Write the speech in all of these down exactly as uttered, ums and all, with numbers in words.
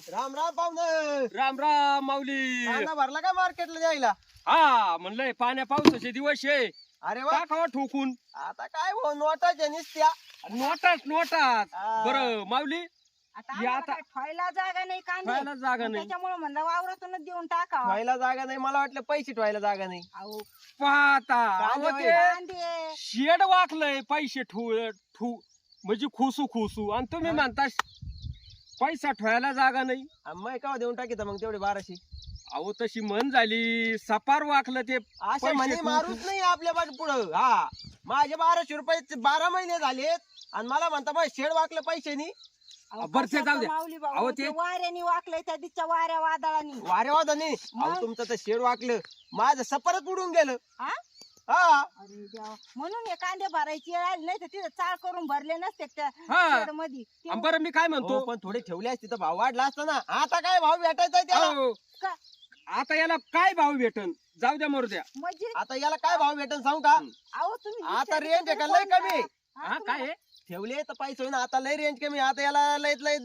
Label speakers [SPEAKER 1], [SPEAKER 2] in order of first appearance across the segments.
[SPEAKER 1] राम राम पाहुणं.
[SPEAKER 2] राम राम माऊली.
[SPEAKER 1] कांदा भरला का मार्केटला जायला?
[SPEAKER 2] हा म्हणलंय पाण्या पावसाचे दिवस आहे.
[SPEAKER 1] अरे वा,
[SPEAKER 2] टाकावा ठोकून.
[SPEAKER 1] आता काय हो नोटाच्या निसत्या.
[SPEAKER 2] नोटाच नोटाच.
[SPEAKER 1] हा.
[SPEAKER 2] बरं माऊली
[SPEAKER 3] आता
[SPEAKER 2] हे
[SPEAKER 3] आम्हाला
[SPEAKER 2] आता-
[SPEAKER 3] काय ठेवायला जागा नाही कांदे
[SPEAKER 2] ठेवायला जागा नाही.
[SPEAKER 3] त्याच्यामुळे म्हणलं वावरातूनच देऊन टाकावा.
[SPEAKER 1] ठेवायला जागा नाही, मला वाटलं पैसे ठेवायला जागा नाही.
[SPEAKER 3] अहो,
[SPEAKER 2] पाहता
[SPEAKER 1] कांदे
[SPEAKER 2] अहो,
[SPEAKER 1] होय.
[SPEAKER 2] ते
[SPEAKER 3] कांदे
[SPEAKER 2] शेड वाकलंय पैसे ठू ठू म्हणजे खुसू खुसू आणि तुम्ही
[SPEAKER 1] हा.
[SPEAKER 2] म्हणता पैसा ठेवायला जागा नाही.
[SPEAKER 1] मग का देऊन टाकीत मग तेवढे बाराशे.
[SPEAKER 2] अहो तशी म्हण झाली सपार वाकलं ते
[SPEAKER 1] अशा
[SPEAKER 2] पैसे
[SPEAKER 1] म्हणे
[SPEAKER 2] ठेवू-
[SPEAKER 1] मारूच नाही आपल्या पाठ पुढं. हा माझे बाराशे रुपये बारा महिने झालेत आणि मला म्हणता मग शेड वाकलं पैसे नाही.
[SPEAKER 3] अहो,
[SPEAKER 2] बरं, ते
[SPEAKER 3] कशाचं
[SPEAKER 2] जाऊ द्या.
[SPEAKER 3] माऊली भाऊ,
[SPEAKER 2] अहो,
[SPEAKER 3] ते
[SPEAKER 2] ते-
[SPEAKER 3] वाऱ्याने वाकलंय त्या दिसच्या वाऱ्या वादळाने.
[SPEAKER 1] वारे वादा नाही. अहो
[SPEAKER 3] मग?
[SPEAKER 1] तुमचं तर शेड वाकलं, माझं सपारच उडून गेलं.
[SPEAKER 3] हा?
[SPEAKER 1] हा
[SPEAKER 3] अरे देवा. म्हणून हे कांदे भरायची वेळ आली, नाही तर तिथे चाळ करून भरले नसते त्या
[SPEAKER 2] हा
[SPEAKER 3] मध्ये.
[SPEAKER 2] आणि बरं मी काय म्हणतो
[SPEAKER 1] हो, पण थोडे ठेवले असते तर भाव वाढला असता ना. आता काय भाव भेटायचा त्याला?
[SPEAKER 2] अहो,
[SPEAKER 3] का?
[SPEAKER 2] आता याला काय भाव भेटन जाऊ द्या मरू द्या.
[SPEAKER 3] म्हणजे
[SPEAKER 1] आता याला काय भाव भेटन सांगू का?
[SPEAKER 3] अहो तुम्ही
[SPEAKER 1] आता
[SPEAKER 3] विचार
[SPEAKER 1] रेंज आहे का
[SPEAKER 3] करून
[SPEAKER 1] लय
[SPEAKER 3] बोला.
[SPEAKER 1] कमी?
[SPEAKER 3] हा,
[SPEAKER 2] हा
[SPEAKER 3] तुम्हाला-
[SPEAKER 2] काय आहे?
[SPEAKER 1] ठेवले तर पैसे होईना, आता लय रेंज कमी. आता याला लयत लय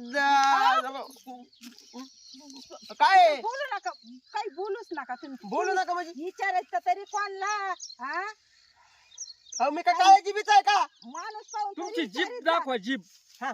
[SPEAKER 1] काय आहे?
[SPEAKER 3] बोलू नका, काही बोलूच नका तुम्ही.
[SPEAKER 1] बोलू नका म्हणजे
[SPEAKER 3] विचारायचं तरी कोणला? हा,
[SPEAKER 1] अहो, मी काय काय जीबीच आहे का?
[SPEAKER 3] माणूस पाहून तरी
[SPEAKER 2] तुमची जीप
[SPEAKER 3] विचारीत जा.
[SPEAKER 2] दाखवा जीप.
[SPEAKER 1] हा.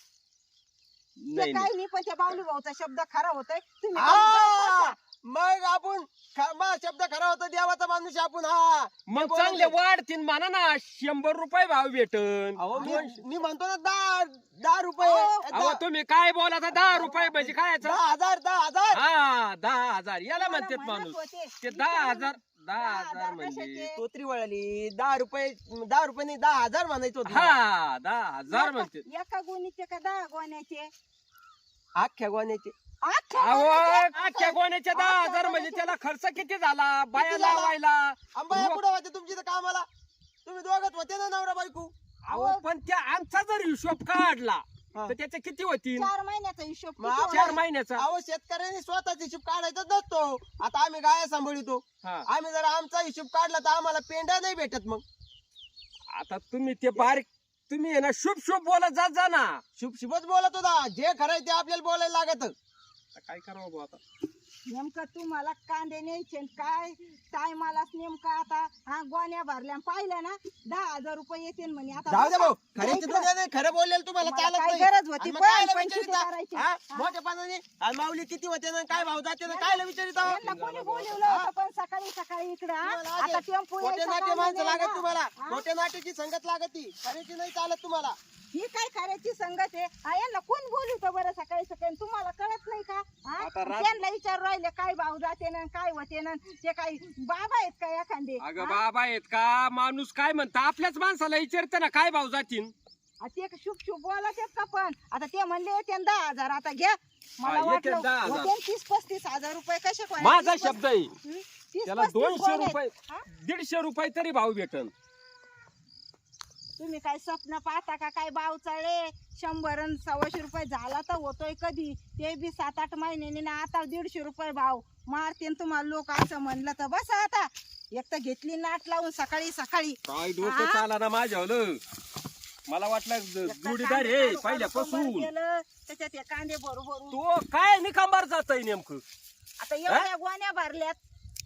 [SPEAKER 3] ते
[SPEAKER 2] नाही नाही.
[SPEAKER 3] काही नाही, पण त्या बावली भाऊचा शब्द खरा होतोय. तुम्ही
[SPEAKER 1] हा, मग आपण ख- मग शब्द खरा होता, देवाचा माणूस आहे आपण. हा
[SPEAKER 2] मग
[SPEAKER 1] बोला
[SPEAKER 2] चांगले
[SPEAKER 1] ते.
[SPEAKER 2] वाढतील म्हणा ना शंभर रुपये भाव भेटन.
[SPEAKER 1] अहो मी मी म्हणतो ना दहा दहा रुपये
[SPEAKER 3] अहो,
[SPEAKER 2] अहो
[SPEAKER 1] दहा
[SPEAKER 2] तुम्ही काय बोलाता दहा रुपये म्हणजे काय याचं?
[SPEAKER 1] दहा हजार दहा हजार
[SPEAKER 2] हा दहा हजार याला
[SPEAKER 3] तुम्हाला
[SPEAKER 2] म्हणतात
[SPEAKER 3] म्हणत
[SPEAKER 2] माणूस.
[SPEAKER 3] होते.
[SPEAKER 2] ते दहा
[SPEAKER 3] विचारून-
[SPEAKER 2] हजार दहा
[SPEAKER 3] दहा
[SPEAKER 2] हजार
[SPEAKER 3] हजार
[SPEAKER 2] म्हणजे
[SPEAKER 3] कशाचे?
[SPEAKER 1] तोत्री वळाली. दहा रुपये दहा रुपये नाही, दहा हजार म्हणायचं होतं.
[SPEAKER 2] हा दहा हजार
[SPEAKER 3] एका-
[SPEAKER 2] म्हणते.
[SPEAKER 3] एका गोणीचे का दहा गोण्याचे?
[SPEAKER 1] अख्ख्या गोण्याचे.
[SPEAKER 3] अख्ख्या
[SPEAKER 2] अहो
[SPEAKER 3] गोण्याचे?
[SPEAKER 2] आजच्या गोण्याच्या दहा
[SPEAKER 3] आजच्या
[SPEAKER 2] हजार म्हणजे
[SPEAKER 3] गोण्याचे-
[SPEAKER 2] त्याला खर्च किती झाला बाया
[SPEAKER 1] किती झाला?
[SPEAKER 2] लावायला.
[SPEAKER 1] आंबा
[SPEAKER 2] रुक-
[SPEAKER 1] कुठं होते तुमची तर कामाला? तुम्ही दोघत होते ना नवरा बायको.
[SPEAKER 2] अहो पण त्या आमचा जर हिशोब काढला
[SPEAKER 1] हा.
[SPEAKER 2] तर त्याचे किती होतील?
[SPEAKER 3] चार महिन्याचा हिशोब
[SPEAKER 1] मग
[SPEAKER 3] किती
[SPEAKER 1] आपण-
[SPEAKER 2] चार
[SPEAKER 3] होणार?
[SPEAKER 2] महिन्याचा.
[SPEAKER 1] अहो शेतकऱ्यांनी स्वतःचा हिशोब काढायचा नसतो. आता आम्ही गाय सांभाळतो.
[SPEAKER 2] हा.
[SPEAKER 1] आम्ही जर आमचा हिशोब काढला तर आम्हाला पेंड्या नाही भेटत. मग
[SPEAKER 2] आता तुम्ही ते बारीक तुम्ही आहे ना शुभ शुभ बोलत जात जा ना.
[SPEAKER 1] शुभ शुभच बोलत होता. जे खरंय ते आपल्याला बोलायला लागत.
[SPEAKER 2] आता काय करावं बुवा आता?
[SPEAKER 3] नेमकं तुम्हाला कांदे न्यायचे न काय टायमालाच नेमका आता हा गोण्या भरल्या पाहिलं ना दहा हजार रुपये येतील म्हणे. आता
[SPEAKER 1] जाऊ दे
[SPEAKER 3] बसा.
[SPEAKER 1] भाऊ, खऱ्याची दुनिया नाही, खरं बोललेलं तुम्हाला
[SPEAKER 3] मला
[SPEAKER 1] चालत
[SPEAKER 3] काय
[SPEAKER 1] नाही.
[SPEAKER 3] गरज होती
[SPEAKER 1] आणि मग
[SPEAKER 3] पण
[SPEAKER 1] कायला
[SPEAKER 3] पण
[SPEAKER 1] विचारिता?
[SPEAKER 3] किती करायचे?
[SPEAKER 1] हा?
[SPEAKER 3] हा?
[SPEAKER 1] मोठ्या पानाने आणि माऊली किती होते ना काय भाव जाते ना कायला विचारिता?
[SPEAKER 3] यांना कोणी बोलवलं होतं पण सकाळी सकाळी इकडं हा?
[SPEAKER 1] तुम्हाला
[SPEAKER 3] आता
[SPEAKER 1] आधी
[SPEAKER 3] टेम्पो
[SPEAKER 1] मोठे
[SPEAKER 3] यायचा
[SPEAKER 1] नाट्य
[SPEAKER 3] कामं
[SPEAKER 1] माणसं
[SPEAKER 3] नाही
[SPEAKER 1] लागत
[SPEAKER 3] ना.
[SPEAKER 1] तुम्हाला.
[SPEAKER 3] हा?
[SPEAKER 1] मोठ्या नाट्याची संगत लागत ती, खऱ्याची नाही चालत तुम्हाला.
[SPEAKER 3] ही काय करायची संगत आहे हा? यांना कोण बोलवतं बरं सकाळी सकाळी? तुम्हाला कळत नाही का हा?
[SPEAKER 2] आता रात-
[SPEAKER 3] त्यांना विचार राहिले काय भाव जाते ना काय होते ना. ते काही बाबा आहेत का एखादे
[SPEAKER 2] अगं
[SPEAKER 3] हा?
[SPEAKER 2] बाबा आहेत का माणूस काय म्हणता आपल्याच माणसाला विचारते ना काय भाव जातील.
[SPEAKER 3] आ, ते शुभ शुभ बोलत आहेत का पण आता ते म्हणले होते न दहा हजार आता घ्या. मला
[SPEAKER 2] हा, येते
[SPEAKER 3] वाटलं
[SPEAKER 2] दहा हजार.
[SPEAKER 3] होते न तीस पस्तीस हजार रुपये कसे कोण?
[SPEAKER 2] माझा
[SPEAKER 3] तीस
[SPEAKER 2] शब्द आहे
[SPEAKER 3] पस्तीस- हं? तीस
[SPEAKER 2] त्याला
[SPEAKER 3] पस्तीस
[SPEAKER 2] दोनशे
[SPEAKER 3] कोण आहेत?
[SPEAKER 2] रुपये
[SPEAKER 3] हा?
[SPEAKER 2] दीडशे रुपये तरी भाव भेटन.
[SPEAKER 3] तुम्ही काय स्वप्न पाहता का काय भाव चढे शंभर अन सव्वाशे रुपये झाला तर होतोय कधी ते बी सात आठ महिन्याने ना आता दीडशे रुपये भाव मारते न तुम्हाला लोक असं म्हणलं तर बस आता एक तर घेतली नाट लावून सकाळी सकाळी
[SPEAKER 2] काय डोकं
[SPEAKER 3] हा?
[SPEAKER 2] चाला ना माझ्यावलं. मला वाटलं ज-
[SPEAKER 3] एक तर
[SPEAKER 2] जोडीदार
[SPEAKER 3] कांदे
[SPEAKER 2] आहे
[SPEAKER 3] काढू- काढू
[SPEAKER 2] पहिल्यापासून.
[SPEAKER 3] कंबर केलं, त्याच्यात हे कांदे बरोबर
[SPEAKER 2] तो काय निकांबार जात आहे नेमकं.
[SPEAKER 3] आता एवढ्या गोण्या भरल्यात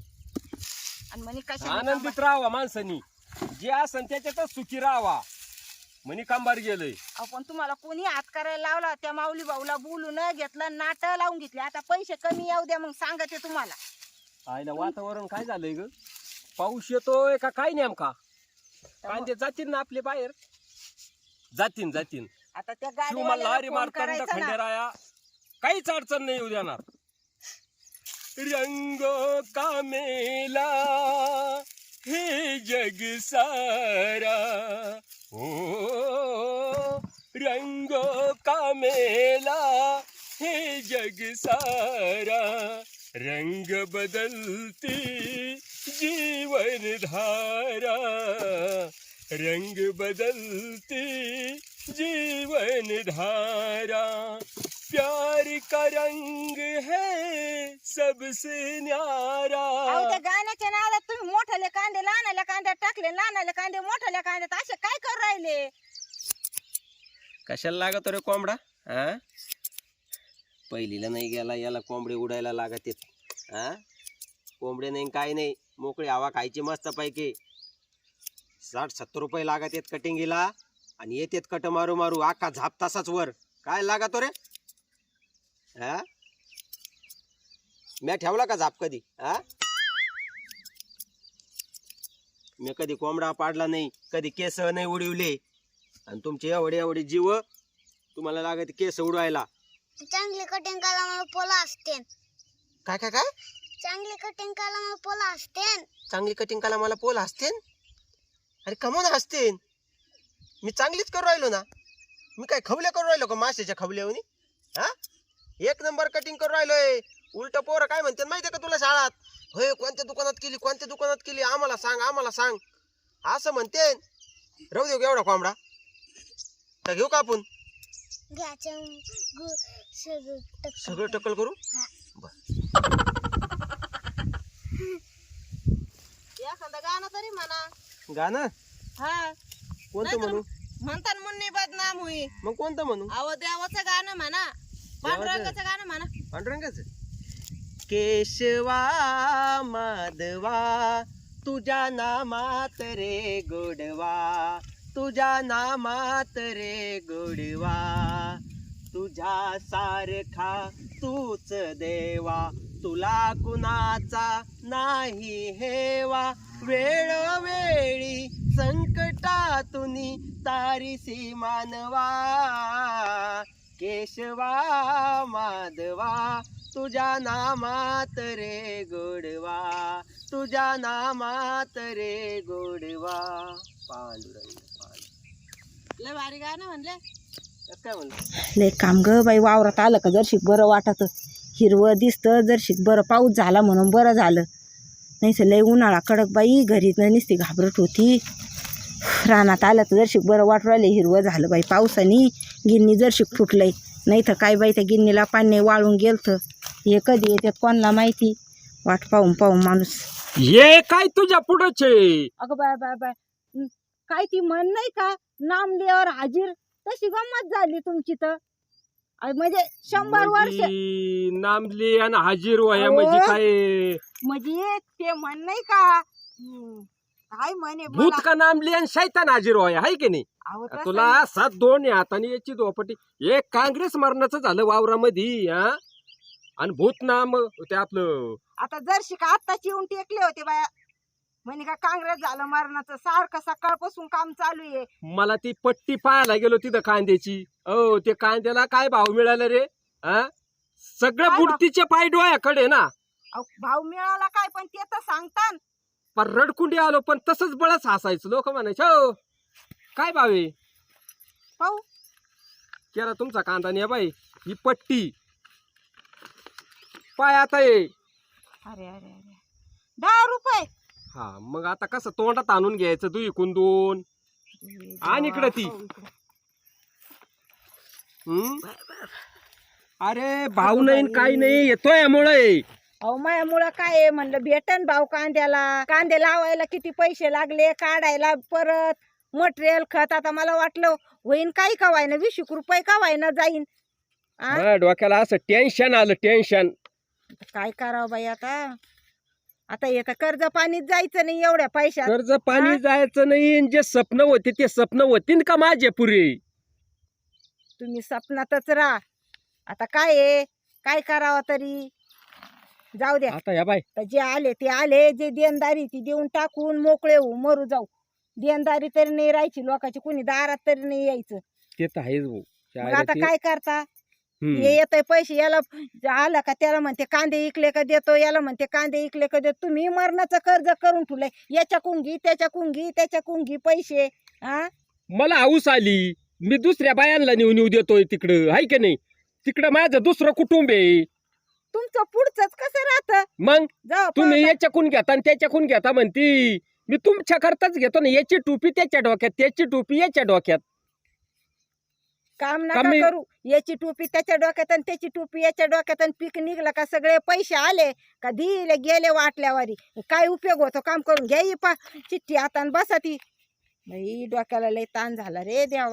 [SPEAKER 3] आणि म्हणे कशा
[SPEAKER 2] आनंदित राहावा माणसानी जे असन त्याच्यातच सुखी राहावा म्हणी कांबार गेलंय.
[SPEAKER 3] आपण तुम्हाला कोणी हात करायला लावला त्या माऊली भाऊला बोलून घेतलं नाट लावून घेतले. आता पैसे कमी येऊ द्या मग सांगते तुम्हाला.
[SPEAKER 2] आईला वातावरण काय झालंय ग पाऊस येतोय का काय नेमका. कांदे जातील ना आपले बाहेर जातीन जातीन.
[SPEAKER 3] आता त्या
[SPEAKER 2] शिव मला
[SPEAKER 3] गाडीवाल्याला
[SPEAKER 2] हरी
[SPEAKER 3] फोन
[SPEAKER 2] मार्तंड
[SPEAKER 3] करायचा ना.
[SPEAKER 2] खंडेराया काहीच अडचण नाही येऊ देणार. रंग का मेला हे जग सारा ओ रंग का मेला हे जग सारा रंग बदलती जीवन धारा रंग बदलती जीवन धारा प्यार का रंग है सबसे न्यारा.
[SPEAKER 3] अहो, त्या गाण्याच्या नादात तुम्ही मोठाले कांदे लहानाल्या कांद्यात टाकले लहानाले कांदे मोठाल्या कांद्यात असे काय करू राहिले.
[SPEAKER 2] कशाला लागत रे कोंबडा. हा
[SPEAKER 1] पहिलीला नाही गेला याला कोंबडे उडायला लागत आहेत हा कोंबडे नाही काय नाही मोकळी हवा खायची मस्त पैकी साठ सत्तर रुपये लागत आहेत कटिंगीला आणि येतेत कट मारू मारू आका झाप तासाच वर काय लागतो रे हा मी ठेवला का झाप कधी हा मी कधी कोंबडा पाडला नाही कधी केस नाही उडवले आणि तुमचे एवढे एवढे जीव तुम्हाला लागत केस उडवायला
[SPEAKER 4] चांगली कटिंग करायला मला पोला असते
[SPEAKER 1] काय काय काय
[SPEAKER 4] चांगली कटिंग करायला मला पोला असते
[SPEAKER 1] चांगली कटिंग करायला मला पोल हसतेन अरे कमून हसतेन मी चांगलीच करू राहिलो ना मी काय खवले करू राहिलो का माशाच्या खवल्यावनी हा एक नंबर कटिंग करू राहिलोय उलट पोरं काय म्हणते माहितीये का तुला शाळात होय कोणत्या दुकानात केली कोणत्या दुकानात केली आम्हाला सांग आम्हाला सांग असं म्हणते राहू देऊ एवढा कोंबडा तर घेऊ का आपण
[SPEAKER 4] घ्यायचं गु- सगळं टक्कर.
[SPEAKER 1] सगळं टक्कल करू
[SPEAKER 3] एखादं गाणं तरी म्हणा
[SPEAKER 1] गाणं
[SPEAKER 3] हा
[SPEAKER 1] कोणतं म्हणू
[SPEAKER 3] म्हणतात मुन्नी बदनाम होई
[SPEAKER 1] मग कोणतं म्हणू
[SPEAKER 3] अहो देवाचं गाणं म्हणा पांडुरंगाचं गाणं म्हणा
[SPEAKER 1] पांडुरंगाचं केशवा माधवा तुझ्या नामात रे गोडवा तुझ्या नामात रे गोडवा तुझ्या सारखा तूच देवा तुला कुणाचा नाही हेवा वेळोवेळी संकटातून तारीसी मानवा केशवा माधवा तुझ्या नामात रे गोडवा तुझ्या नामात रे गोडवा पांडुरंग पांडुरंग
[SPEAKER 3] लय भारी गाणं म्हणले
[SPEAKER 1] काय म्हणलं
[SPEAKER 5] लय काम ग बाई वावरात आलं का जरशीक बरं वाटत हिरवं दिसतं जरशीक बरं पाऊस झाला म्हणून बरं झालं नाही तर लय उन्हाळा कडक बाई घरी नुसती घाबरट होती रानात आलं तर जरशीक बरं वाटू राहिले हिरवं झालं बाई पावसाने गिन्नी जरशीक फुटलंय नाही तर काय बाई त्या गिन्नीला पाणी वाळून गेलतं हे कधी येतात कोणाला माहिती वाट पाहून पाहून माणूस
[SPEAKER 2] ये काय तुझ्या पुढचे
[SPEAKER 5] अगं बाय बाय बाय हं, काय ती म्हण नाही का नाम लिहावर हाजीर तशी गंमत झाली तुमची तर अय, म्हणजे शंभर वर्ष
[SPEAKER 2] नामली आणि हाजीर वया
[SPEAKER 5] अहो.
[SPEAKER 2] म्हणजे काय
[SPEAKER 5] म्हणजे ते म्हण नाही का हं, काय म्हणे
[SPEAKER 2] भूत
[SPEAKER 5] मला-
[SPEAKER 2] का नामली आणि शैतान हाजीर वया हाय की नाही
[SPEAKER 5] अहो, तसं
[SPEAKER 2] तुला सात दोन आहे हाताने याची दोपटी एक काँग्रेस मरणाचं झालं वावरामध्ये हा आणि भूत नाम ते आपलं
[SPEAKER 5] आता जर का आत्ताच येऊन टेकले होते बाया म्हणे का काँग्रेस झालं मरणाचं सारखं सकाळपासून काम चालू आहे
[SPEAKER 2] मला ती पट्टी पाहायला गेलो तिथं कांद्याची ओ ते कांद्याला काय भाव मिळाला रे हा सगळं
[SPEAKER 5] काय भाव?
[SPEAKER 2] बुडतीचे पाय डोळ्याकडे ना
[SPEAKER 5] अहो, भाव मिळाला काय पण ते तर सांगतान
[SPEAKER 2] पण रडकुंडी आलो पण तसंच बळच हसायचं लोक म्हणायचे हो काय भाव आहे
[SPEAKER 5] पाहू
[SPEAKER 2] केला तुमचा कांदा ने बाई ही पट्टी पाय आता ये
[SPEAKER 5] अरे अरे अरे दहा रुपये
[SPEAKER 2] हा मग आता कसं तोंडात आणून घ्यायचं तू इकून दोन आण इकडं ती.
[SPEAKER 5] पाहू इकडं.
[SPEAKER 2] हम्म? अरे भाऊ नाही न काही नाही येतोय यामुळे
[SPEAKER 5] अहो माझ्यामुळं काय आहे म्हणलं भेटन भाव कांद्याला कांदे लावायला किती पैसे लागले काढायला परत मटेरियल खत आता मला वाटलं होईन काही का व्हायना वीस एक रुपये का व्हायना जाईन आ?
[SPEAKER 2] माझ्या डोक्याला असं टेन्शन आलं टेन्शन
[SPEAKER 5] काय करावं बाई आता आता येतं कर्ज पाणीच जायचं नाही एवढ्या पैशात
[SPEAKER 2] कर्ज पाणी
[SPEAKER 5] हा?
[SPEAKER 2] जायचं नाही आणि जे स्वप्न होते ते स्वप्न होतीन का माझे पुरे
[SPEAKER 5] तुम्ही स्वप्नातच राहा आता काय आहे काय करावं तरी जाऊ द्या
[SPEAKER 2] आता या बाय
[SPEAKER 5] तर जे आले ते आले जे देणदारी ती देऊन टाकून मोकळे होऊ मरू जाऊ देणदारी तरी नाही राहायची लोकांची कुणी दारात तरी नाही यायचं
[SPEAKER 2] ते तर आहेच भाऊ
[SPEAKER 5] मग आता
[SPEAKER 2] ते-
[SPEAKER 5] काय करता
[SPEAKER 2] हम्म.
[SPEAKER 5] हे येतंय पैसे याला आलं का त्याला म्हणते कांदे इकले का देतो याला म्हणते कांदे इकले का देतो तुम्ही मरणाचं कर्ज करून ठेवलंय याच्या कुंगी त्याच्या कुंगी त्याच्या कुंगी पैसे हा
[SPEAKER 2] मला हाऊस आली मी दुसऱ्या बायांना नेऊन येऊ देतोय तिकडं हाय की नाही तिकडं माझं दुसरं कुटुंब आहे
[SPEAKER 5] तुमचं पुढचंच कसं राहतं
[SPEAKER 2] मग
[SPEAKER 5] जाऊ
[SPEAKER 2] तुम्ही
[SPEAKER 5] पाहता.
[SPEAKER 2] याच्याकून घेता आणि त्याच्याकून घेता म्हणती मी तुमच्या करताच घेतो ना याची टोपी त्याच्या डोक्यात त्याची टोपी याच्या डोक्यात
[SPEAKER 5] काम नका
[SPEAKER 2] कमी-
[SPEAKER 5] करू याची टोपी त्याच्या डोक्यात आणि त्याची टोपी याच्या डोक्यात आणि पीक निघलं का सगळे पैसे आले का दिले गेले वाटल्यावारी काय उपयोग होतो काम करून घ्या ही पा चिठ्ठी आता आणि बसा ती बाई डोक्याला लय ताण झाला रे देवा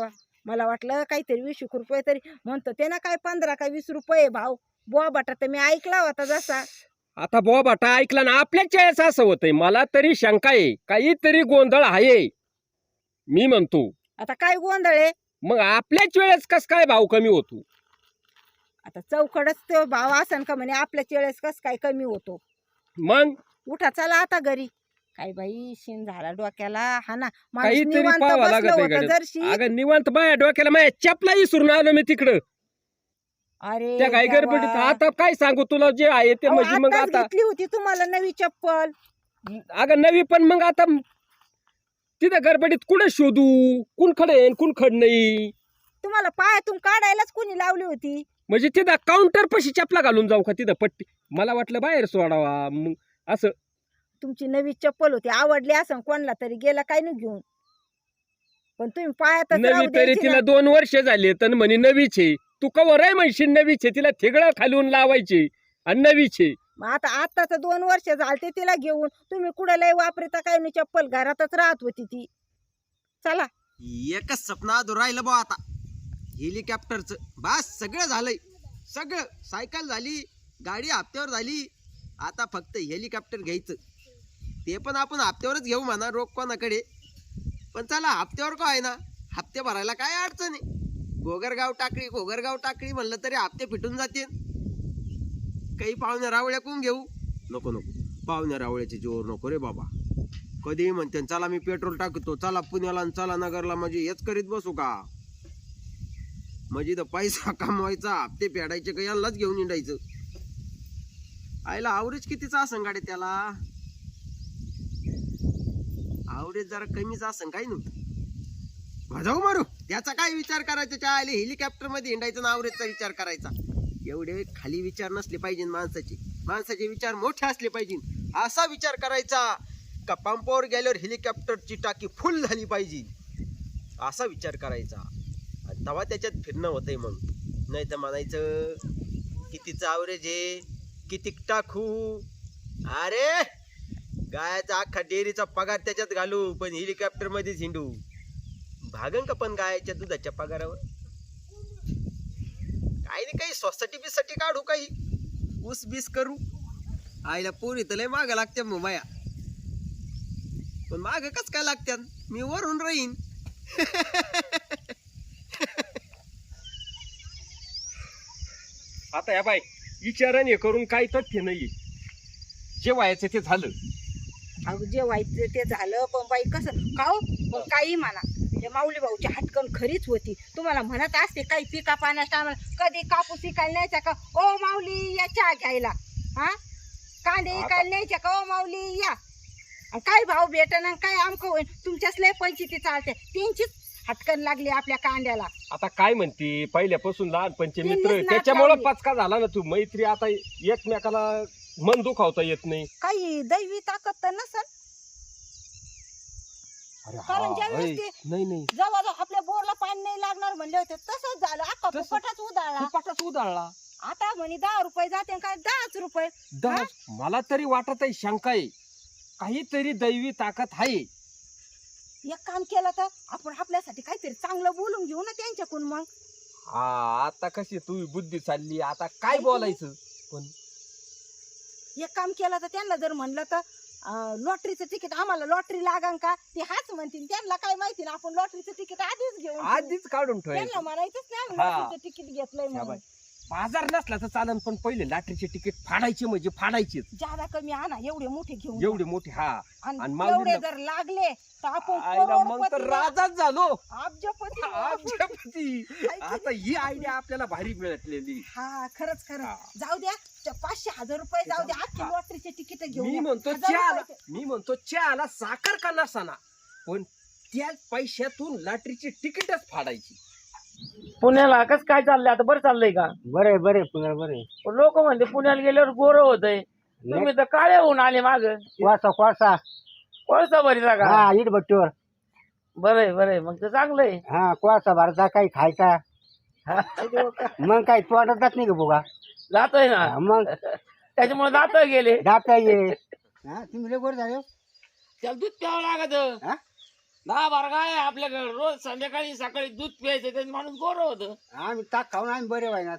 [SPEAKER 5] मला वाटलं काहीतरी वीस एक रुपये तरी म्हणतो ते ना काय पंधरा का वीस रुपये भाव बुवा बटा तर मी ऐकला होता जसा.
[SPEAKER 2] आता बुवा बाटा ऐकला ना आपल्याच वेळेस असं होतंय. मला तरी शंका आहे काहीतरी गोंधळ आहे मी म्हणतो.
[SPEAKER 5] आता काय गोंधळ आहे
[SPEAKER 2] मग आपल्याच वेळेस कस काय भाव कमी होतो.
[SPEAKER 5] आता चौकडच तो भाव असन का म्हणे आपल्याच वेळेस कस काय कमी होतो.
[SPEAKER 2] मग
[SPEAKER 5] उठा चला आता घरी. काय बाई शिन झाला डोक्याला हा ना माणूस
[SPEAKER 2] काहीतरी
[SPEAKER 5] निवांत
[SPEAKER 2] पाहावं
[SPEAKER 5] बसलं
[SPEAKER 2] लागत आहे
[SPEAKER 5] होतं
[SPEAKER 2] गाड्यात.
[SPEAKER 5] जरशी.
[SPEAKER 2] अगं निवांत बाया डोक्याला माझ्या चपलाही विसरून आलो मी तिकडं
[SPEAKER 5] अरे
[SPEAKER 2] त्या काय गडबडीत.
[SPEAKER 5] देवा.
[SPEAKER 2] आता काय सांगू तुला जे आहे ते
[SPEAKER 5] अहो,
[SPEAKER 2] म्हणजे मग
[SPEAKER 5] आत्ताच
[SPEAKER 2] आता
[SPEAKER 5] घेतली होती तुम्हाला नवी चप्पल.
[SPEAKER 2] अगं नवी पण मग आता तिथं गडबडीत कुठे शोधू कुण खडे कुण खड नाही.
[SPEAKER 5] तुम्हाला पायातून काढायलाच कोणी लावली होती.
[SPEAKER 2] म्हणजे तिथं काउंटर पशी चपला घालून जाऊ का तिथं पट्टी. मला वाटलं बाहेर सोडावा मग असं.
[SPEAKER 5] तुमची नवी चप्पल होती आवडली असं कोणला तरी गेला काय नाही घेऊन. पण तुम्ही पायातच
[SPEAKER 2] नवी
[SPEAKER 5] राहू
[SPEAKER 2] तरी
[SPEAKER 5] द्यायची
[SPEAKER 2] तिला
[SPEAKER 5] ना.
[SPEAKER 2] दोन वर्ष झाले तर म्हणे नवीचे. तू कवर आहे म्हणशील नवीचे. तिला थिगळं खालून लावायचे आणि नवीचे.
[SPEAKER 5] मग आता आताच दोन वर्ष झालते तिला घेऊन तुम्ही कुठे लय वापरता काय नाही चप्पल घरातच राहत होती ती. चला
[SPEAKER 1] एकच सपना अधूर राहिलं बा आता हेलिकॉप्टरचं. बस सगळं झालंय. सगळं सायकल झाली गाडी हप्त्यावर झाली. आता फक्त हेलिकॉप्टर घ्यायचं. ते पण आपण हप्त्यावरच घेऊ म्हणा रोख कोणाकडे. पण चला हप्त्यावर का आहे ना हप्ते भरायला काय अडचण आहे. गोगरगाव टाकळी गोगरगाव टाकळी म्हणलं तरी हप्ते फिटून जाते. काही पाहुण्या रावळ्या कोण घेऊ नको नको. पाहुण्या रावळ्याचे जोर नको रे बाबा. कधी म्हणते चला मी पेट्रोल टाकतो चला पुण्याला आणि चला नगरला म्हणजे हेच करीत बसू का. म्हणजे तर पैसा कमवायचा हप्ते फेडायचे का यालाच घेऊन हिंडायचं. आईला आवरेज कितीचा असं गाडी त्याला. आवरेज जरा कमीच असं काही नव्हतं. जाऊ मारू त्याचा काय विचार करायचा. त्या हेलिकॉप्टर मध्ये हिंडायचं ना आवरेजचा विचार करायचा. एवढे खाली विचार नसले पाहिजे माणसाचे. माणसाचे विचार मोठे असले पाहिजे. असा विचार करायचा का पंपावर गेल्यावर हेलिकॉप्टरची टाकी फुल झाली पाहिजे असा विचार करायचा. आणि तेव्हा त्याच्यात फिरणं होतंय. मग नाही तर म्हणायचं कितीचं आवरेज आहे किती टाकू. अरे गायचा अख्खा डेअरीचा पगार त्याच्यात घालू पण हेलिकॉप्टर मध्येच हिंडू. भागन का पण गायच्या दुधाच्या पगारावर. काही नाही काही सोसायटी बिसाठी काढू काही ऊस बीस करू. आईला पोरी तर लय माग लागत्या माया. पण माग कस काय लागत्या मी वरून राहीन.
[SPEAKER 2] आता या बाय विचाराने करून काही तथ्य नाहीये. जे व्हायचं ते झालं.
[SPEAKER 5] अहो जे व्हायचं ते झालं. पण बाई कसं खाऊ पण काही म्हणा ते माऊली भाऊची हटकन खरीच होती. तुम्हाला म्हणत असते काही पिका पाण्याच्या टायमाला कधी कापूस इकायला न्यायचा का ओ माऊली या चहा घ्यायला. हा कांदे इकायला न्यायच्या का ओ माऊली या. आणि काय भाव भेटन काय आमकं होईल तुमच्याच लय पंचायती चालते. त्यांचीच हटकन लागली आपल्या कांद्याला.
[SPEAKER 2] आता काय म्हणते पहिल्यापासून लहानपणचे
[SPEAKER 5] त्यांनीच
[SPEAKER 2] मित्र
[SPEAKER 5] नाद
[SPEAKER 2] त्याच्यामुळे
[SPEAKER 5] लावली.
[SPEAKER 2] पचका झाला ना. तू मैत्री आता एकमेकाला मन दुखावता येत नाही.
[SPEAKER 5] काही दैवी ताकद तर नसल.
[SPEAKER 2] अरे
[SPEAKER 5] कारण
[SPEAKER 2] हा,
[SPEAKER 5] ज्यावेळेस
[SPEAKER 2] ऐ,
[SPEAKER 5] ते-
[SPEAKER 2] नाही नाही
[SPEAKER 5] जवळ आपल्या बोरला पाणी नाही लागणार म्हणले होते तसंच झालं. अख्खा
[SPEAKER 2] तसं-
[SPEAKER 5] फुकटच उधाळला.
[SPEAKER 2] फुपाटाच उधाळला.
[SPEAKER 5] आता म्हणे दहा रुपये जाते काय दहाच रुपये.
[SPEAKER 2] दहा मला तरी वाटत आहे शंका आहे काहीतरी दैवी ताकद आहे.
[SPEAKER 5] एक काम केलं तर आपण आपल्यासाठी काहीतरी चांगलं बोलून घेऊ ना त्यांच्याकडून. मग
[SPEAKER 2] हा आता कशी तू बुद्धी चालली. आता काय
[SPEAKER 5] ऐक ना.
[SPEAKER 2] बोलायचं पण
[SPEAKER 5] एक काम केलं तर त्यांना जर म्हणलं तर अं, लॉटरीचं तिकीट आम्हाला लॉटरी लागान का ते हाच म्हणतील. त्यांना काय माहिती ना आपण लॉटरीचं तिकीट आधीच घेऊन ठेवू.
[SPEAKER 2] आधीच काढून
[SPEAKER 5] त्यांना
[SPEAKER 2] ठेवायचं.
[SPEAKER 5] म्हणायचंच नाही आम्ही
[SPEAKER 2] हा.
[SPEAKER 5] लॉटरीचं तिकीट घेतलंय
[SPEAKER 2] ह्या
[SPEAKER 5] म्हणून.
[SPEAKER 2] बाई, बाजार नसला तर चालन पण पहिले लॉटरीचे तिकीट फाडायचे म्हणजे फाडायचेच.
[SPEAKER 5] जादा कमी आणा एवढे मोठे घेऊन
[SPEAKER 2] एवढे मोठे हा
[SPEAKER 5] आणि
[SPEAKER 2] आणि
[SPEAKER 5] तेवढे
[SPEAKER 2] माऊलीला-
[SPEAKER 5] जर लागले तर आपण
[SPEAKER 2] आईला मग तर
[SPEAKER 5] करोडपती
[SPEAKER 2] राजाच झालो.
[SPEAKER 5] अब्जपती होऊ.
[SPEAKER 2] अब्जपती. आता ही आयडिया आपल्याला भारी मिळालेली.
[SPEAKER 5] हा खरंच खरंच
[SPEAKER 2] हा.
[SPEAKER 5] जाऊ द्या त्या पाचशे हजार रुपये जाऊ द्या अख्खी
[SPEAKER 2] हा.
[SPEAKER 5] लॉटरीचे तिकीट घेऊन
[SPEAKER 2] मी
[SPEAKER 5] या.
[SPEAKER 2] म्हणतो
[SPEAKER 5] हजार
[SPEAKER 2] चहाला
[SPEAKER 5] रुपयाचे.
[SPEAKER 2] मी म्हणतो चहाला साखर का नसाना पण त्या पैशातून लॉटरीची तिकीटच फाडायची.
[SPEAKER 6] पुण्याला कसं काय चाललंय आता बरं चाललंय का?
[SPEAKER 7] बरे बरे पुन्हा बरे
[SPEAKER 6] लोक म्हणते पुण्याला गेल्यावर गोरं होतंय. तुम्ही तर काळे होऊन आले माग.
[SPEAKER 7] कोळसा कोळसा
[SPEAKER 6] कोळसा भरीचा का?
[SPEAKER 7] हा इट भट्टीवर
[SPEAKER 6] बरंय बरंय मग तर चांगलंय.
[SPEAKER 7] हा कोळसा भरता काही खायचा मग काही तोडतच नाही का बोगा.
[SPEAKER 6] जातोय ना
[SPEAKER 7] हा, मग
[SPEAKER 6] त्याच्यामुळे जात गेले.
[SPEAKER 7] जाता ये हा तुम्ही लय गोड झाले हो.
[SPEAKER 6] त्याला दूध प्यावं लागत.
[SPEAKER 7] हा?
[SPEAKER 6] दहा बारा गाय आहे आपल्याकडे, रोज संध्याकाळी सकाळी दूध प्यायचं, त्यात माणूस गोर होत.
[SPEAKER 7] आम्ही ताक खाऊन आम्ही बरे व्हायनात.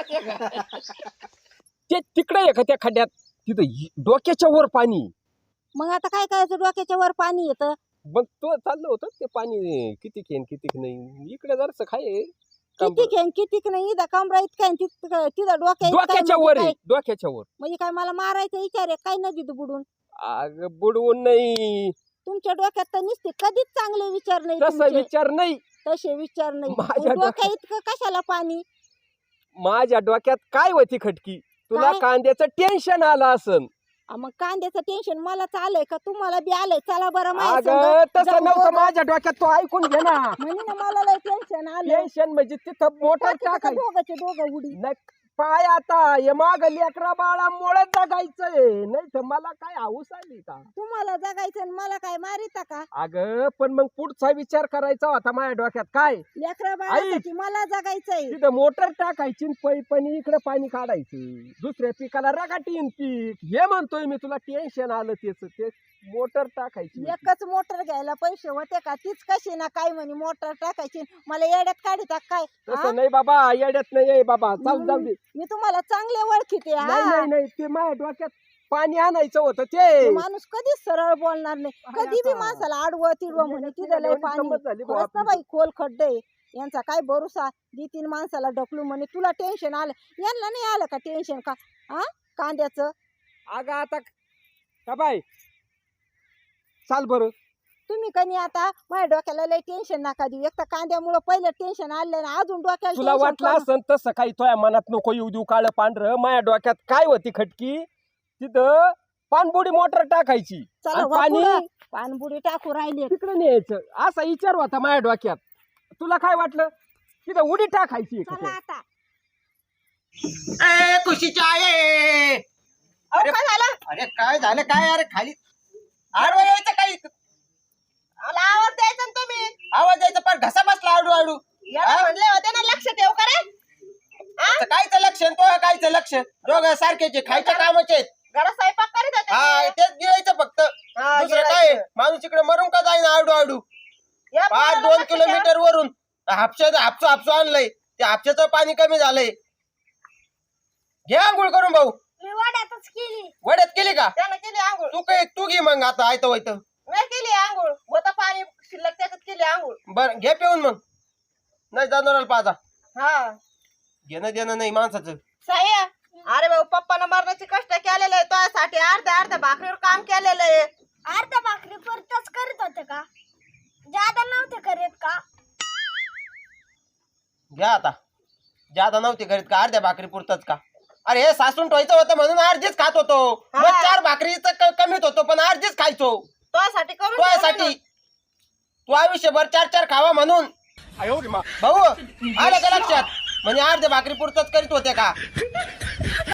[SPEAKER 2] ते तिकडे आहे का त्या खड्ड्यात, तिथं हि- डोक्याच्या वर पाणी.
[SPEAKER 5] मग आता काय करायचं, डोक्याच्या वर पाणी येतं.
[SPEAKER 2] मग तो चाललं होतं ते पाणी किती खेन किती नाही, इकडे जरस खाय
[SPEAKER 5] किती खेळ किती नाही, इथं कमरा इतका आहे, तिथं तिथं डोक्या इतका आहे,
[SPEAKER 2] डोक्याच्या
[SPEAKER 5] म्हणजे
[SPEAKER 2] वर
[SPEAKER 5] काय-
[SPEAKER 2] आहे, डोक्याच्या वर.
[SPEAKER 5] म्हणजे काय मला मारायचा विचार आहे काय नदीत बुडून?
[SPEAKER 2] अग बुडवून नाही,
[SPEAKER 5] तुमच्या डोक्यात तर निसते कधीच चांगले विचार नाही
[SPEAKER 2] तसा
[SPEAKER 5] तुमचे.
[SPEAKER 2] विचार नाही.
[SPEAKER 5] तसे विचार नाही.
[SPEAKER 2] माझ्या
[SPEAKER 5] डोक्या
[SPEAKER 2] डोक्यात-
[SPEAKER 5] इतकं कशाला पाणी?
[SPEAKER 2] माझ्या डोक्यात काय होती खटकी, तुला
[SPEAKER 5] काय?
[SPEAKER 2] कांद्याचं टेन्शन आलं असन.
[SPEAKER 5] आ, मग कांद्याचं टेन्शन मला आलंय का तुम्हाला बी आलंय? चला बरं माझ्या
[SPEAKER 2] अगं
[SPEAKER 5] संग.
[SPEAKER 2] तसं
[SPEAKER 5] जाऊ
[SPEAKER 2] नव्हतं
[SPEAKER 5] दोघं.
[SPEAKER 2] माझ्या डोक्यात, तो ऐकून घे ना.
[SPEAKER 5] म्हणे ना मला लय टेन्शन आलं.
[SPEAKER 2] टेन्शन म्हणजे तिथं मोटर टाकाय
[SPEAKER 5] दोघांचे दोघं उडी.
[SPEAKER 2] नाही पाय आता हे माग लेकरा बाळामुळे जगायचंय, नाही तर मला काय हाऊस आली का?
[SPEAKER 5] तुम्हाला जगायचं आणि मला काय मारिता का?
[SPEAKER 2] अगं पण मग पुढचा विचार करायचा होता माझ्या डोक्यात. काय
[SPEAKER 5] लेकरा बाळासाठी मला जगायचंय.
[SPEAKER 2] तिथं मोटर टाकायची आणि पैपणी इकडे पाणी काढायचं, दुसऱ्या पिकाला रगाटीन पीक. हे म्हणतोय मी तुला, टेन्शन आलं त्याच, ते मोटर टाकायची.
[SPEAKER 5] एकच मोटर घ्यायला पैसे होते का? तीच कशी ना काय म्हणे मोटर टाकायची, मला येड्यात काढिता काय? हा?
[SPEAKER 2] तसं नाही बाबा, येड्यात नाही आहे बाबा, जाऊ जाऊ दे.
[SPEAKER 5] मी तुम्हाला चांगले ओळखीते. हा.
[SPEAKER 2] नाही नाही नाही, ते माझ्या डोक्यात पाणी आणायचं होतं
[SPEAKER 5] तो
[SPEAKER 2] ते.
[SPEAKER 5] माणूस कधीच सरळ बोलणार नाही,
[SPEAKER 2] काय
[SPEAKER 5] कधी बी
[SPEAKER 2] आता?
[SPEAKER 5] माणसाला आडवं तिडवं म्हणे तिथं लय
[SPEAKER 2] एवढी
[SPEAKER 5] पाणी.
[SPEAKER 2] गंमत झाली बुवा
[SPEAKER 5] खरंच ना
[SPEAKER 2] आपली.
[SPEAKER 5] बाई खोल खड्डे आहे. यांचा काय भरोसा, दी तीन माणसाला ढकलू म्हणे तुला टेन्शन आलं, यांना नाही आलं का टेन्शन का? हा कांद्याचं?
[SPEAKER 2] अगं आता का बाय चाल बरं.
[SPEAKER 5] तुम्ही कनी आता माझ्या डोक्याला लय टेन्शन नका देऊ. एक तर कांद्यामुळे पहिलं टेन्शन आलं ना, अजून डोक्याला
[SPEAKER 2] तुला
[SPEAKER 5] tension
[SPEAKER 2] वाटलं
[SPEAKER 5] करून-
[SPEAKER 2] असं तसं काही तुझ्या मनात नको येऊ देऊ काळं पांढरं. माझ्या डोक्यात काय होती खटकी, तिथं पाणबुडी मोटर टाकायची
[SPEAKER 5] चला
[SPEAKER 2] आणि
[SPEAKER 5] वा
[SPEAKER 2] पाणी
[SPEAKER 5] पुढं. पाणबुडी टाकू राहिले.
[SPEAKER 2] तिकडे न्यायचं, असा विचार होता माझ्या डोक्यात. तुला काय वाटलं, तिथं उडी टाकायची का
[SPEAKER 5] चला
[SPEAKER 2] ते?
[SPEAKER 5] आता.
[SPEAKER 1] ए खुशीच्या आहे.
[SPEAKER 3] अहो, काय झालं?
[SPEAKER 1] अरे काय झालं काय? अरे खाली आडवा यायचं काही,
[SPEAKER 3] मला आवाज द्यायचा ना तुम्ही.
[SPEAKER 1] आवाज द्यायचा पण घसा बसला आडू आडू.
[SPEAKER 3] याला म्हणले होते ना लक्ष ठेव का रे?
[SPEAKER 1] आता कायचं लक्ष आणि तो कायचं लक्ष, दोघं सारखेचे खायच्या कामाचे आहेत.
[SPEAKER 3] घरात स्वयंपाक करीत होते
[SPEAKER 1] हा
[SPEAKER 3] मी.
[SPEAKER 1] तेच गिळायचं फक्त,
[SPEAKER 3] हा,
[SPEAKER 1] दुसरं
[SPEAKER 3] गिळायचं.
[SPEAKER 1] काय? माणूस इकडे मरून का जाईना आडू आडू.
[SPEAKER 3] या
[SPEAKER 1] पाच
[SPEAKER 3] पोराला
[SPEAKER 1] दोन
[SPEAKER 3] लक्ष ठेव.
[SPEAKER 1] किलोमीटर वरून हापशा हापसू हापसू आणलंय, ते हापशाचं पाणी कमी झालंय. घे आंघोळ करून भाऊ.
[SPEAKER 4] मी वाड्यातच केली.
[SPEAKER 1] वड्यात केली का?
[SPEAKER 3] त्यानं केली आंघोळ.
[SPEAKER 1] तू काय तू घे मग आता आयतं वायतं.
[SPEAKER 3] नाही केली आंघोळ, होतं पाणी शिल्लक त्याच्यात केली आंघोळ.
[SPEAKER 1] बर घे पिऊन मग, नाही जाणार पाजा.
[SPEAKER 3] हा
[SPEAKER 1] घेणं देणं नाही माणसाचं.
[SPEAKER 3] साह्या, अरे भाऊ पप्पानं मरणाचे कष्ट केलेले आहे, तुझ्यासाठी अर्ध्या अर्ध्या भाकरीवर काम केलेलं आहे.
[SPEAKER 4] अर्ध्या भाकरी परतच करीत होते का? जादा नव्हते करीत का?
[SPEAKER 1] घ्या आता, जादा नव्हती करीत का? अर्ध्या भाकरी पुरतच का? अरे हे सासून ठेवायचं होतं म्हणून अर्धीच खात होतो. मग
[SPEAKER 3] हा.
[SPEAKER 1] चार भाकरीचं कमीत होतो पण अर्धीच खायचो
[SPEAKER 3] तुझ्यासाठी करून
[SPEAKER 1] तुझ्यासाठी.
[SPEAKER 3] ठेवलं
[SPEAKER 1] तू आयुष्यभर चार चार खावा म्हणून. भाऊ आलं का लक्षात? म्हणजे अर्ध्या भाकरी पुरतच करीत होते का?